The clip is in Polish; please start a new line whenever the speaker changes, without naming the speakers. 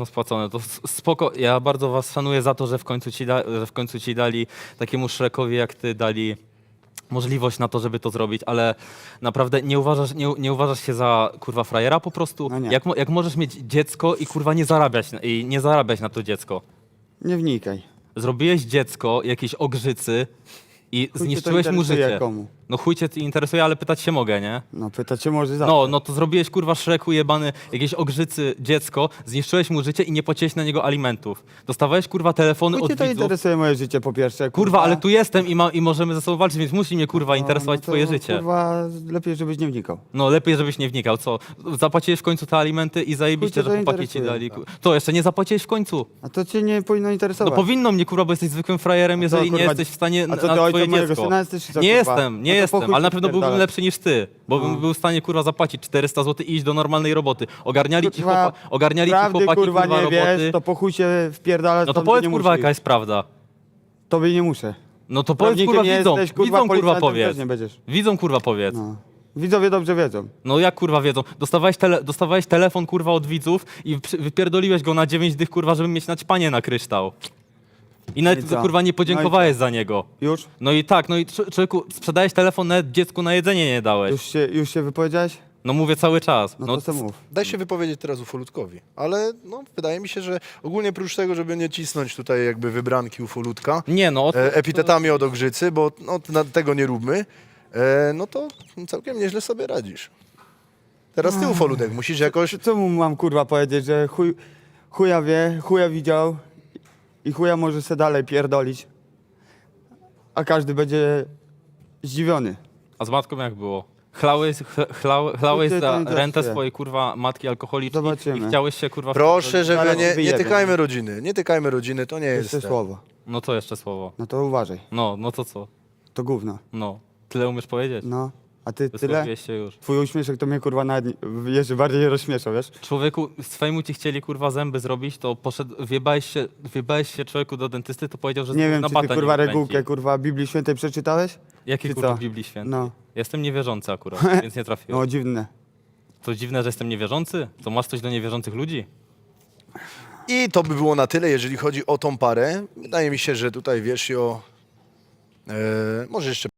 dawno spłacone. To spoko. Ja bardzo was szanuję za to, że w końcu ci dali takiemu Shrekowi jak ty dali możliwość na to, żeby to zrobić, ale naprawdę nie uważasz się za kurwa frajera po prostu?
No nie.
Jak możesz mieć dziecko i kurwa nie zarabiać na to dziecko?
Nie wnikaj.
Zrobiłeś dziecko, jakieś ogrzycy i
Chuj cię to
zniszczyłeś mu
interesuje
życie.
komu.
No chuj cię interesuje, ale pytać się mogę, nie?
No pytać się może zawsze.
No to zrobiłeś kurwa Shreku jebany, jakieś ogrzycy dziecko, zniszczyłeś mu życie i nie płaciłeś na niego alimentów. Dostawałeś kurwa telefony
Chuj
od
cię to
widzów.
interesuje moje życie po pierwsze.
Kurwa, ale tu jestem i możemy ze sobą walczyć, więc musi mnie kurwa interesować
to,
twoje życie.
Kurwa, lepiej żebyś nie wnikał.
No lepiej, żebyś nie wnikał, co? Zapłaciłeś w końcu te alimenty i zajebiście,
Chuj cię
że
to
chłopaki ci
interesuje.
dali. To jeszcze nie zapłaciłeś w końcu.
A to cię nie powinno
No
interesować.
powinno mnie kurwa, bo jesteś zwykłym frajerem,
A co,
jeżeli nie
kurwa,
jesteś w stanie
a co,
na
ty ojcem
twoje
mojego
dziecko.
syna jesteś, czy co,
Nie
kurwa?
jestem, nie
No to po
jestem,
chuj
ale na
ci
pewno byłbym
pierdalać.
lepszy niż ty, bo bym był w stanie kurwa zapłacić 400 zł i iść do normalnej roboty. Ogarniali ci
Kurwa,
chłopaki
kurwa
kurwa
nie
roboty.
wiesz, to po chuj się wpierdalać.
No to
tam,
powiedz
gdzie nie
kurwa
musisz.
jaka jest prawda.
Tobie nie muszę.
No to powiedz
Prawnikiem
kurwa
nie
widzom,
jesteś, kurwa,
widzom kurwa
policjantem
powiedz.
też nie będziesz.
Widzom kurwa powiedz.
No. Widzowie dobrze wiedzą.
No jak kurwa wiedzą? Dostawałeś telefon kurwa od widzów i wypierdoliłeś go na 9 dych kurwa, żeby mieć naćpanie na kryształ. I nawet
No i co?
kurwa nie podziękowałeś za niego.
Już?
No i tak, no i człowieku, sprzedałeś telefon, nawet dziecku na jedzenie nie dałeś.
Już się wypowiedziałeś?
No mówię cały czas.
No to co mów.
Daj się wypowiedzieć teraz ufolutkowi, ale no, wydaje mi się, że ogólnie prócz tego, żeby nie cisnąć tutaj jakby wybranki ufolutka
Nie no,
epitetami od Ogrzycy, bo no, tego nie róbmy, no to całkiem nieźle sobie radzisz. Teraz ty ufolutek musisz jakoś...
Co mu mam kurwa powiedzieć, że chuja wie, chuja widział i chuja może se dalej pierdolić. A każdy będzie zdziwiony.
a z matką jak było? Chlałeś
Chuj cię to
za
interesuje.
rentę swojej kurwa matki alkoholicznej
Zobaczymy.
i chciałeś się kurwa...
Proszę, żeby
Zaraz
nie
wyjebie,
tykajmy rodziny, nie tykajmy rodziny, to nie jest
Jeszcze
ten.
słowo.
No to jeszcze słowo.
No to uważaj.
No to co?
To gówno.
No. Tyle umiesz powiedzieć?
No. A ty tyle?
Wysłowiłeś się już.
Twój uśmieszek to mnie kurwa nawet jeszcze bardziej rozśmiesza, wiesz?
Człowieku, swojemu ci chcieli kurwa zęby zrobić, to poszedł, wjebałeś się człowieku do dentysty, to powiedział, że
Nie wiem,
na
czy
bata
ty kurwa
nie wykręci.
regułkę kurwa Biblii Świętej przeczytałeś?
Jakie
czy
kurwa
co?
Biblii Świętej?
No.
Jestem niewierzący akurat, więc nie trafiłem.
No dziwne.
To dziwne, że jestem niewierzący? To masz coś do niewierzących ludzi?
I to by było na tyle, jeżeli chodzi o tą parę. Wydaje mi się, że tutaj wiesz o... może jeszcze